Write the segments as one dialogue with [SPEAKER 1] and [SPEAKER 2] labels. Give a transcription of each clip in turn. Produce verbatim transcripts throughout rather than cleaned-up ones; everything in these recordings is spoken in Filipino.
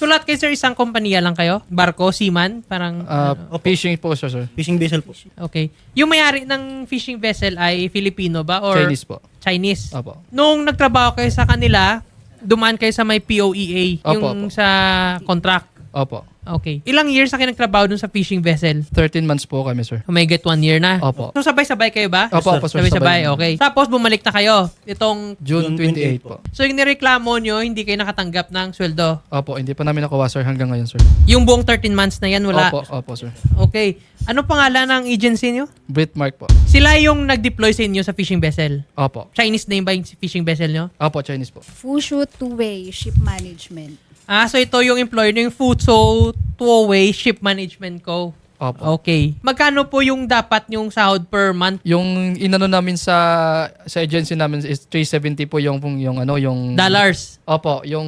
[SPEAKER 1] So lahat kayo, sir, isang kompanya lang kayo? Barko, seaman? Parang,
[SPEAKER 2] Ah,
[SPEAKER 1] ano?
[SPEAKER 2] fishing po, sir, sir.
[SPEAKER 3] Fishing vessel po.
[SPEAKER 1] Okay. Yung may-ari ng fishing vessel ay Filipino ba? Or
[SPEAKER 2] Chinese po.
[SPEAKER 1] Chinese?
[SPEAKER 2] Opo.
[SPEAKER 1] Nung nagtrabaho kayo sa kanila, dumaan kayo sa may P O E A,
[SPEAKER 2] Opo,
[SPEAKER 1] yung
[SPEAKER 2] opo.
[SPEAKER 1] sa contract.
[SPEAKER 2] Opo.
[SPEAKER 1] Okay. Ilang years na kayo nagtrabaho dun sa fishing vessel?
[SPEAKER 2] thirteen months po kami, sir.
[SPEAKER 1] May get one year na?
[SPEAKER 2] Opo.
[SPEAKER 1] So sabay-sabay kayo ba?
[SPEAKER 2] Opo, opo, sir.
[SPEAKER 1] Sabay-sabay,
[SPEAKER 2] Sabay.
[SPEAKER 1] okay. Tapos bumalik na kayo itong...
[SPEAKER 2] June twenty-eight po.
[SPEAKER 1] So yung nireklamo nyo, hindi kayo nakatanggap ng sweldo.
[SPEAKER 2] Opo, hindi pa namin nakuha, sir, hanggang ngayon, sir.
[SPEAKER 1] Yung buong thirteen months na yan, wala?
[SPEAKER 2] Opo, opo, sir.
[SPEAKER 1] Okay. Ano pangalan ng agency nyo?
[SPEAKER 2] Britmark po.
[SPEAKER 1] Sila yung nag-deploy sa inyo sa fishing vessel.
[SPEAKER 2] Opo.
[SPEAKER 1] Chinese name ba yung fishing vessel nyo?
[SPEAKER 2] Opo, Chinese po.
[SPEAKER 4] Fushu Two-Way Ship Management.
[SPEAKER 1] Ah, so ito yung employer nyo, yung Futso Two-Way Ship Management Co.
[SPEAKER 2] Opo.
[SPEAKER 1] Okay. Magkano po yung dapat yung sahod per month?
[SPEAKER 2] Yung inano namin sa sa agency namin is three seventy po yung yung ano yung
[SPEAKER 1] Dollars.
[SPEAKER 2] Opo, yung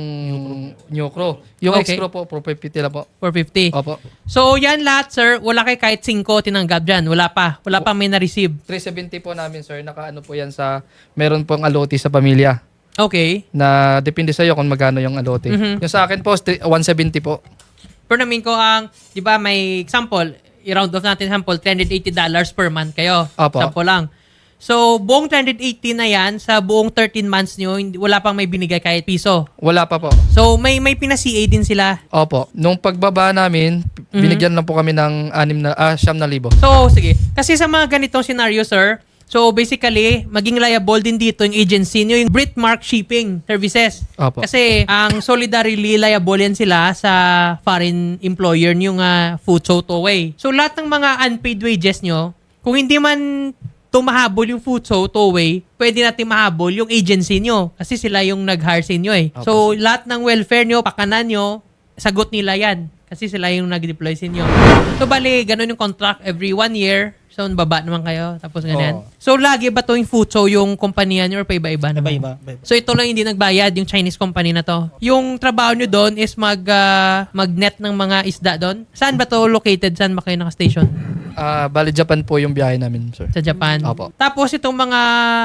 [SPEAKER 2] new crew. Yung
[SPEAKER 1] Okay.
[SPEAKER 2] extra po, four fifty lang po.
[SPEAKER 1] four fifty.
[SPEAKER 2] Opo.
[SPEAKER 1] So yan lahat, sir, wala kay kahit cinco tinanggap dyan. Wala pa. Wala pa may na-receive.
[SPEAKER 2] three seventy po namin, sir. Nakaano po yan sa meron pong alote sa pamilya.
[SPEAKER 1] Okay.
[SPEAKER 2] Na depende sa iyo kung magkano yung alote.
[SPEAKER 1] Mhm.
[SPEAKER 2] Yung sa akin po is one seventy po.
[SPEAKER 1] Pero namin ko ang, di ba may example, i-round off natin sample, three hundred eighty dollars per month kayo.
[SPEAKER 2] Opo.
[SPEAKER 1] Sample lang. So, buong three hundred eighty na yan, sa buong thirteen months nyo, hindi, wala pang may binigay kahit piso.
[SPEAKER 2] Wala pa po.
[SPEAKER 1] So, may may pina-C A din sila.
[SPEAKER 2] Opo. Nung pagbaba namin,
[SPEAKER 1] Mhm.
[SPEAKER 2] binigyan lang po kami ng anim na ah, siyam na libo.
[SPEAKER 1] So, sige. Kasi sa mga ganitong scenario, sir, so basically, maging liable din dito yung agency nyo, yung Britmark Shipping Services.
[SPEAKER 2] Opo.
[SPEAKER 1] Kasi ang solidarily liable yan sila sa foreign employer nyo nga Futso Two-Way. So lahat ng mga unpaid wages nyo, kung hindi man tumahabol yung Futso Two-Way, pwede natin mahabol yung agency nyo. Kasi sila yung nag-hire sa inyo eh.
[SPEAKER 2] Opo.
[SPEAKER 1] So lahat ng welfare nyo, pakanan nyo, sagot nila yan. Kasi sila yung nag-deploy sa inyo. So bali, ganun yung contract every one year. So baba naman kayo. Tapos ganyan.
[SPEAKER 3] Oo.
[SPEAKER 1] So lagi ba to yung Futso yung kumpanya nyo or pa iba-iba naman?
[SPEAKER 3] Iba-iba. iba-iba.
[SPEAKER 1] So ito lang hindi nagbayad yung Chinese company na to. Yung trabaho nyo doon is mag ah, mag-net ng mga isda doon. Saan ba to located? Saan ba kayo naka-station?
[SPEAKER 2] Ah, bali Japan po yung biyahe namin, sir.
[SPEAKER 1] Sa Japan.
[SPEAKER 2] Opo.
[SPEAKER 1] Tapos itong mga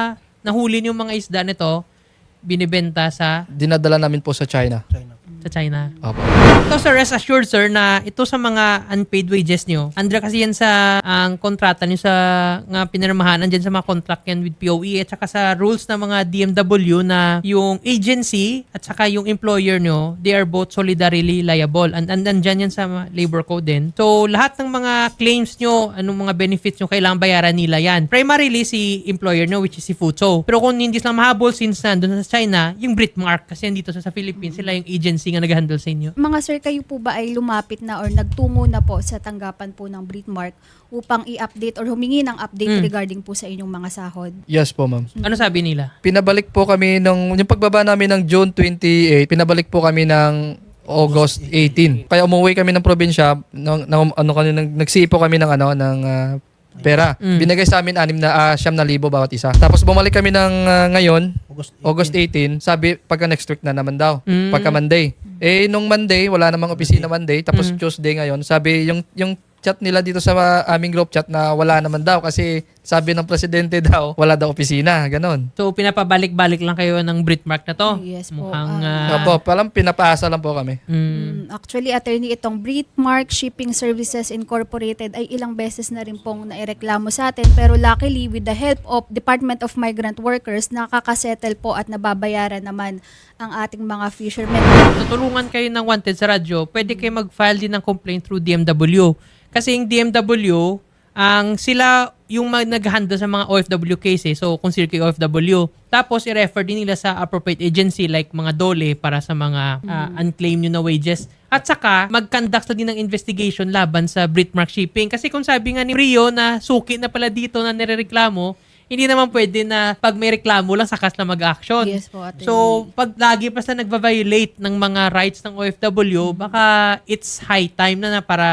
[SPEAKER 1] nahuli yung mga isda nito, binibenta sa
[SPEAKER 2] Dinadala namin po sa China.
[SPEAKER 3] China.
[SPEAKER 1] sa China.
[SPEAKER 2] Opo.
[SPEAKER 1] So sir, rest assured sir na ito sa mga unpaid wages nyo, andra kasi yan sa ang kontrata nyo sa nga pinirmahan, andyan sa mga contract yan with P O E at saka sa rules ng mga D M W na yung agency at saka yung employer nyo, they are both solidarily liable. And, and andyan yan sa labor code din. So lahat ng mga claims nyo, anong mga benefits nyo, kailangan bayaran nila yan. Primarily si employer nyo, which is si Futso. Pero kung hindi sila mahabol since nandun sa China, yung Britmark, kasi dito sa, sa Philippines, sila yung agency nga nag-handle sa inyo.
[SPEAKER 4] Mga sir, kayo po ba ay lumapit na or nagtungo na po sa tanggapan po ng Britmark upang i-update or humingi ng update
[SPEAKER 1] Mm.
[SPEAKER 4] regarding po sa inyong mga sahod?
[SPEAKER 2] Yes po, ma'am.
[SPEAKER 1] Ano sabi nila?
[SPEAKER 2] Pinabalik po kami nung yung pagbaba namin ng June twenty-eight, pinabalik po kami ng August eighteen. Kaya umuwi kami ng probinsya, ng, ng ano kami nag nagsiipo kami ng ano ng ah, pera.
[SPEAKER 1] Mm.
[SPEAKER 2] Binigay sa amin anim na ah, siyam na libo bawat isa. Tapos bumalik kami ng ah, ngayon,
[SPEAKER 3] August
[SPEAKER 2] August eighteen, sabi pagka next week na naman daw.
[SPEAKER 1] Mm.
[SPEAKER 2] Pagka Monday. Eh nung Monday, wala namang opisina Monday, tapos
[SPEAKER 1] Mm.
[SPEAKER 2] Tuesday ngayon, sabi yung yung chat nila dito sa aming group chat na wala naman daw kasi sabi ng presidente daw, wala daw opisina, ganon.
[SPEAKER 1] So, pinapabalik-balik lang kayo ng Britmark na to?
[SPEAKER 4] Yes po.
[SPEAKER 1] Mukhang...
[SPEAKER 4] Ah.
[SPEAKER 1] ah,
[SPEAKER 2] Opo, palang pinapaasa lang po kami.
[SPEAKER 1] mm,
[SPEAKER 4] Mm, Actually, attorney, itong Britmark Shipping Services Incorporated ay ilang beses na rin pong naireklamo sa atin. Pero luckily, with the help of Department of Migrant Workers, nakakasettle po at nababayaran naman ang ating mga fishermen.
[SPEAKER 1] tutulungan kayo ng wanted sa radyo, pwede kayo mag-file din ng complaint through D M W. Kasi yung D M W, ang sila yung mag- nag-handle sa mga O F W cases. So, kung sila kayo O F W. Tapos, i-refer din nila sa appropriate agency like mga DOLE para sa mga ah, unclaimed nyo na wages. At saka, mag-conduct na din ng investigation laban sa Britmark Shipping. Kasi kung sabi nga ni Rio na suki na pala dito na nirereklamo, hindi naman pwede na pag may reklamo lang sakas na mag-action.
[SPEAKER 4] Yes po, attorney.
[SPEAKER 1] So, pag lagi pa sila nagva-violate ng mga rights ng O F W, baka it's high time na na para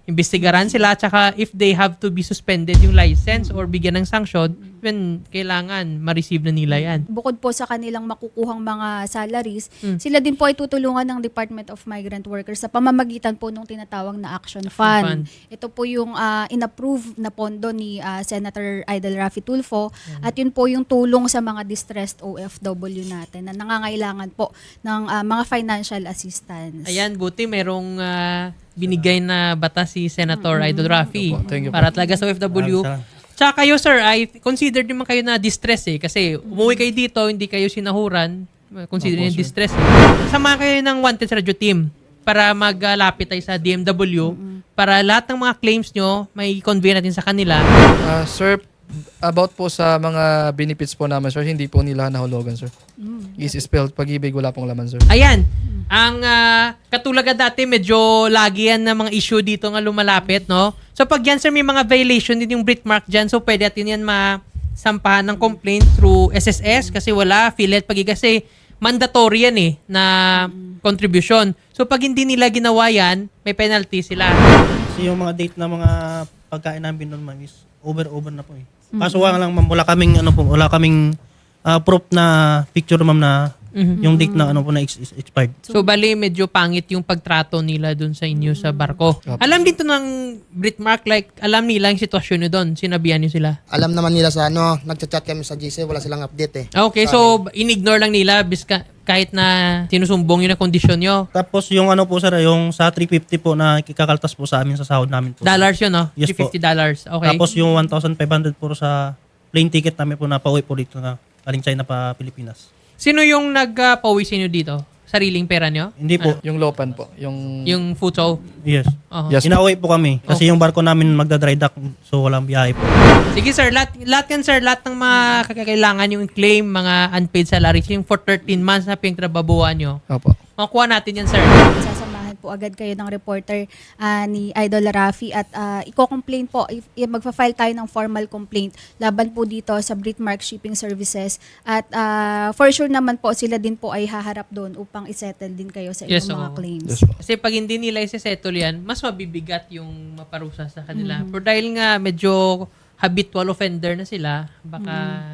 [SPEAKER 1] imbestigaran sila, tsaka if they have to be suspended yung license or bigyan ng sanction, then kailangan ma-receive na nila yan.
[SPEAKER 4] Bukod po sa kanilang makukuhang mga salaries,
[SPEAKER 1] Mm.
[SPEAKER 4] sila din po ay tutulungan ng Department of Migrant Workers sa pamamagitan po ng tinatawag na Action Fund.
[SPEAKER 1] Fund.
[SPEAKER 4] Ito po yung ah, inapprove na pondo ni ah, Senator Idol Raffy Tulfo at yun po yung tulong sa mga distressed O F W natin na nangangailangan po ng ah, mga financial assistance.
[SPEAKER 1] Ayan, buti merong ah, binigay na batas si Senator Idol Raffy
[SPEAKER 2] Opo, thank you po.
[SPEAKER 1] para talaga sa O F W. Tsaka kayo, sir, ay consider naman kayo na distress eh. Kasi umuwi kayo dito, hindi kayo sinahuran. Consider
[SPEAKER 3] Opo,
[SPEAKER 1] yung
[SPEAKER 3] sir.
[SPEAKER 1] distress. Eh. Sama kayo ng Wanted sa Radio Team para maglapit tayo sa D M W para lahat ng mga claims nyo, may convey natin sa kanila.
[SPEAKER 2] Ah, sir, about po sa mga benefits po namin, sir, hindi po nila nahulugan, sir. Is spelled pag-ibig, wala pong laman, sir.
[SPEAKER 1] Ayan. Ang ah, katulaga dati, medyo lagi yan na mga issue dito nga lumalapit, no? So pag yan, sir, may mga violation din yung Britmark dyan, so pwede natin yan masampahan ng complaint through S S S kasi wala, affiliate pag kasi mandatory yan eh, na contribution. So pag hindi nila ginawa yan, may penalty sila.
[SPEAKER 3] Kasi yung mga date na mga pagkain namin noon, ma'am, is over-over na po eh. Kaso nga lang, ma'am, wala kaming, ano po, wala kaming ah, proof na picture, ma'am, na
[SPEAKER 1] Mhm.
[SPEAKER 3] yung date na ano po na ex- ex- expired.
[SPEAKER 1] So bali medyo pangit yung pagtrato nila dun sa inyo sa barko. Alam dito ng Britmark, like alam nila yung sitwasyon nyo dun, sinabihan nyo sila.
[SPEAKER 5] Alam naman nila sa ano, nagchat-chat kami sa G C, wala silang update eh.
[SPEAKER 1] Okay, so in-ignore lang nila biska, kahit na sinusumbong yun na kondisyon nyo.
[SPEAKER 3] Tapos yung ano po, sir, yung sa three fifty po na kikakaltas po sa amin sa sahod namin po.
[SPEAKER 1] Dollars yun, no?
[SPEAKER 3] Yes po.
[SPEAKER 1] fifty dollars. Okay.
[SPEAKER 3] Tapos yung one thousand five hundred po sa plane ticket namin po na pauwi po dito na galing China pa Pilipinas.
[SPEAKER 1] Sino yung nag-pauwi sa inyo dito? Sariling pera nyo?
[SPEAKER 3] Hindi po.
[SPEAKER 2] Yung Lopan po. Yung,
[SPEAKER 1] Yung Futo?
[SPEAKER 3] Yes.
[SPEAKER 1] Oo.
[SPEAKER 2] Yes.
[SPEAKER 3] Inauwi po kami kasi yung barko namin magda-dry dock so walang biyahe po.
[SPEAKER 1] Sige sir, lahat, lahat yan sir, lahat ng mga kakailangan yung claim, mga unpaid salaries, yung for thirteen months na pinagtrababuhan nyo,
[SPEAKER 2] Opo.
[SPEAKER 1] makuha natin yan sir.
[SPEAKER 4] Sasamahan po agad kayo ng reporter ah, ni Idol Raffy at uh, i-complain po, if, if magfa-file tayo ng formal complaint laban po dito sa Britmark Shipping Services at ah, for sure naman po sila din po ay haharap doon upang isettle din kayo sa inyong
[SPEAKER 1] Yes,
[SPEAKER 4] mga
[SPEAKER 1] oo.
[SPEAKER 4] claims.
[SPEAKER 2] Yes po.
[SPEAKER 1] Kasi pag hindi nila isa-settle yan, mas mabibigat yung maparusa sa kanila. Pero dahil nga medyo habitual offender na sila, baka...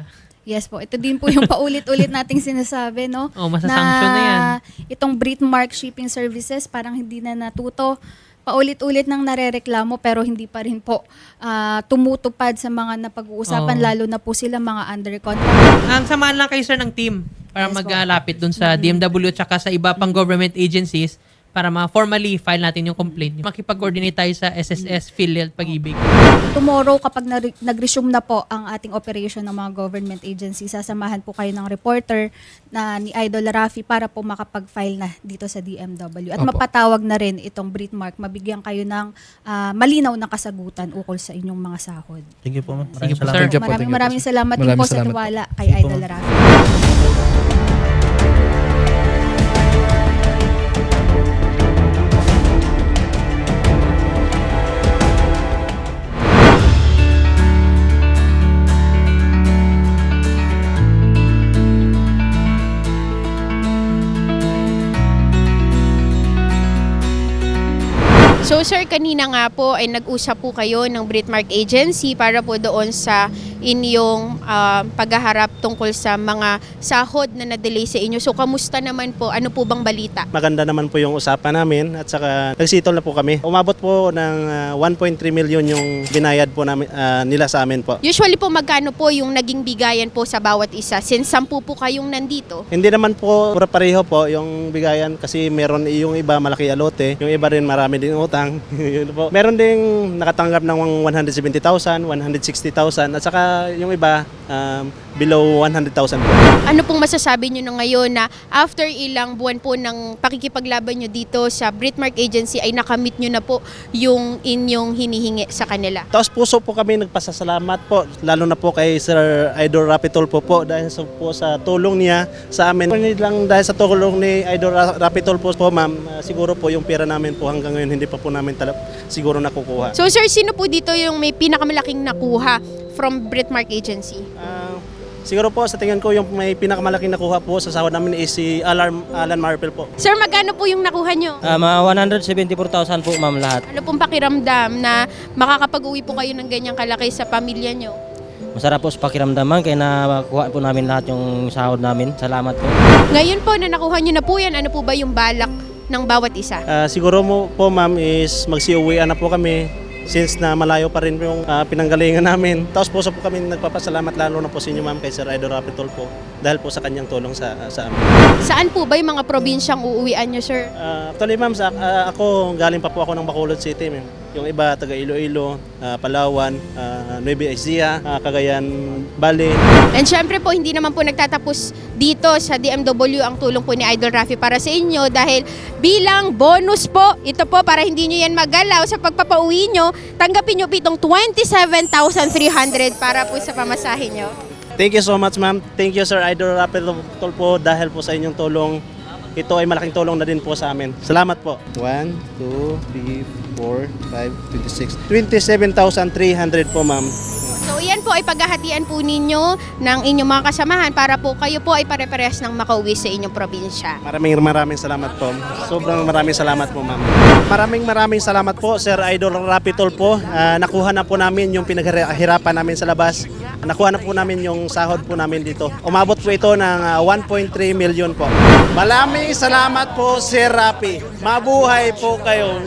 [SPEAKER 4] Yes po, ito din po yung paulit-ulit nating sinasabi, no?
[SPEAKER 1] Oh, masasanction na yan.
[SPEAKER 4] Itong Britmark Shipping Services parang hindi na natuto. Paulit-ulit nang narereklamo pero hindi pa rin po ah, tumutupad sa mga napag-uusapan,
[SPEAKER 1] Oo.
[SPEAKER 4] lalo na po sila mga under contract.
[SPEAKER 1] Ang samahan lang kayo sir ng team para
[SPEAKER 4] Yes, po.
[SPEAKER 1] maglapit dun sa D M W at saka sa iba pang government agencies para ma-formally file natin yung complaint. Makipag-coordinate tayo sa S S S, PhilHealth, Pag-ibig.
[SPEAKER 4] Tomorrow, kapag nare- nag-resume na po ang ating operation ng mga government agency, sasamahan po kayo ng reporter na ni Idol Raffy para po makapag-file na dito sa D M W. At
[SPEAKER 2] Opo.
[SPEAKER 4] mapatawag na rin itong Britmark, mabigyan kayo ng ah, malinaw na kasagutan ukol sa inyong mga sahod.
[SPEAKER 3] Thank you po, ma'am.
[SPEAKER 1] Sige
[SPEAKER 3] Maraming
[SPEAKER 1] po,
[SPEAKER 3] salamat.
[SPEAKER 1] sir.
[SPEAKER 2] Thank you po,
[SPEAKER 4] Maraming
[SPEAKER 2] thank you po,
[SPEAKER 4] maraming
[SPEAKER 2] sir.
[SPEAKER 4] salamat din
[SPEAKER 2] Maraming
[SPEAKER 4] po sa
[SPEAKER 2] salamat po.
[SPEAKER 4] tiwala kay
[SPEAKER 3] Sige po,
[SPEAKER 4] Idol
[SPEAKER 3] ma'am.
[SPEAKER 4] Raffy.
[SPEAKER 6] So sir, kanina nga po ay nag-usap po kayo ng Britmark Agency para po doon sa inyong ah, paghaharap tungkol sa mga sahod na na-delay sa inyo. So kamusta naman po? Ano po bang balita?
[SPEAKER 7] Maganda naman po yung usapan namin at saka nagsitol na po kami. Umabot po ng ah, one point three million yung binayad po namin, ah, nila sa amin po.
[SPEAKER 6] Usually po magkano po yung naging bigayan po sa bawat isa? Since sampu po kayong nandito.
[SPEAKER 7] Hindi naman po pura pareho po yung bigayan kasi meron yung iba malaki alote, yung iba rin marami din utang. Yun po. Meron ding nakatanggap ng one hundred seventy thousand, one hundred sixty thousand at saka yung iba um, below one hundred thousand po.
[SPEAKER 6] Ano pong masasabi nyo na ngayon na after ilang buwan po ng pakikipaglaban nyo dito sa Britmark Agency ay nakamit nyo na po yung inyong hinihingi sa kanila?
[SPEAKER 7] Taos puso po kami nagpasasalamat po, lalo na po kay Sir Idol Raffy Tulfo po dahil sa, po sa tulong niya sa amin. Hindi lang dahil sa tulong ni Idol Ra- Raffy Tulfo po ma'am, ah, siguro po yung pera namin po hanggang ngayon hindi pa po namin tala- siguro nakukuha.
[SPEAKER 6] So sir, sino po dito yung may pinakamalaking nakuha from Britmark Agency?
[SPEAKER 7] Ah, Siguro po sa tingin ko yung may pinakamalaking nakuha po sa sahod namin is si Alarm, Alan Marpel po.
[SPEAKER 6] Sir, magkano po yung nakuha nyo?
[SPEAKER 8] Ah, mga one hundred seventy-four thousand po ma'am lahat.
[SPEAKER 6] Ano pong pakiramdam na makakapag-uwi po kayo ng ganyang kalaki sa pamilya nyo?
[SPEAKER 8] Masarap po sa pakiramdaman kaya nakuha po namin lahat yung sahod namin. Salamat po.
[SPEAKER 6] Ngayon po na nakuha nyo na po yan, ano po ba yung balak ng bawat isa?
[SPEAKER 7] Ah, siguro mo po ma'am is magsiuwian na po kami since na malayo pa rin yung ah, pinanggalingan namin. Tapos po sa po kami nagpapasalamat lalo na po sa inyo ma'am kay Sir Idol Rapitol po dahil po sa kanyang tulong sa sa amin.
[SPEAKER 6] Saan po ba yung mga probinsyang uuwian nyo, sir?
[SPEAKER 7] Ah, actually ma'am, sa, ah, ako galing pa po ako ng Bacolod City ma'am. Yung iba taga Iloilo, ah, Palawan, uh, Nueva Ecija, ah, Cagayan Valley.
[SPEAKER 6] And syempre po, hindi naman po nagtatapos dito sa D M W ang tulong po ni Idol Rafi para sa inyo dahil bilang bonus po, ito po para hindi nyo yan magalaw sa pagpapauwi nyo, tanggapin nyo po itong twenty-seven thousand three hundred para po sa pamasahe nyo.
[SPEAKER 7] Thank you so much ma'am. Thank you Sir Idol Rapitol po dahil po sa inyong tulong. Ito ay malaking tulong na din po sa amin. Salamat po. one, two, three, four, five, twenty-six. twenty-seven thousand three hundred po ma'am.
[SPEAKER 6] So yan po ay paghahatian po ninyo ng inyong mga kasamahan para po kayo po ay pare-parehas ng makauwi sa inyong probinsya.
[SPEAKER 7] Maraming maraming salamat po. Sobrang maraming salamat po ma'am. Maraming maraming salamat po Sir Idol Rapitol po. Ah, nakuha na po namin yung pinaghirapan namin sa labas. Nakuha na po namin yung sahod po namin dito. Umabot po ito ng ah, one point three million po. Maraming salamat po Sir Rapi. Mabuhay po kayo.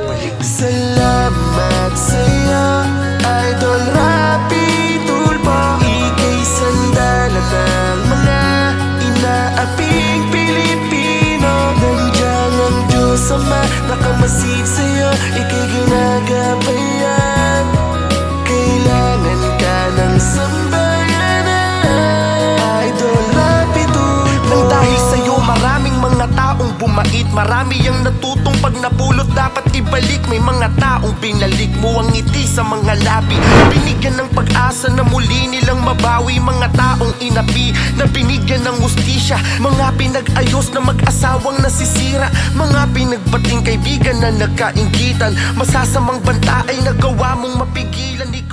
[SPEAKER 9] Salamat sa'yo, Idol Rapi Tulpo. Ika'y sandalat ng mga inaaping Pilipino. Nandiyan ang Diyos Ama, nakamasid sa'yo, ika'y ginagabayan. Kailangan ka ng sambayanan, Idol Rapi Tulpo. Nang dahil sa'yo maraming mga taong bumait, marami ang natutong pag napulot dapat ibalik. May mga taong binalik mo ang ngiti sa mga labi, binigyan ng pag-asa na muli nilang mabawi. Mga taong inapi na binigyan ng hustisya, mga pinag-ayos na mag-asawang nasisira, mga pinagbating kaibigan na nagkainggitan. Masasamang banta ay nagawa mong mapigilan.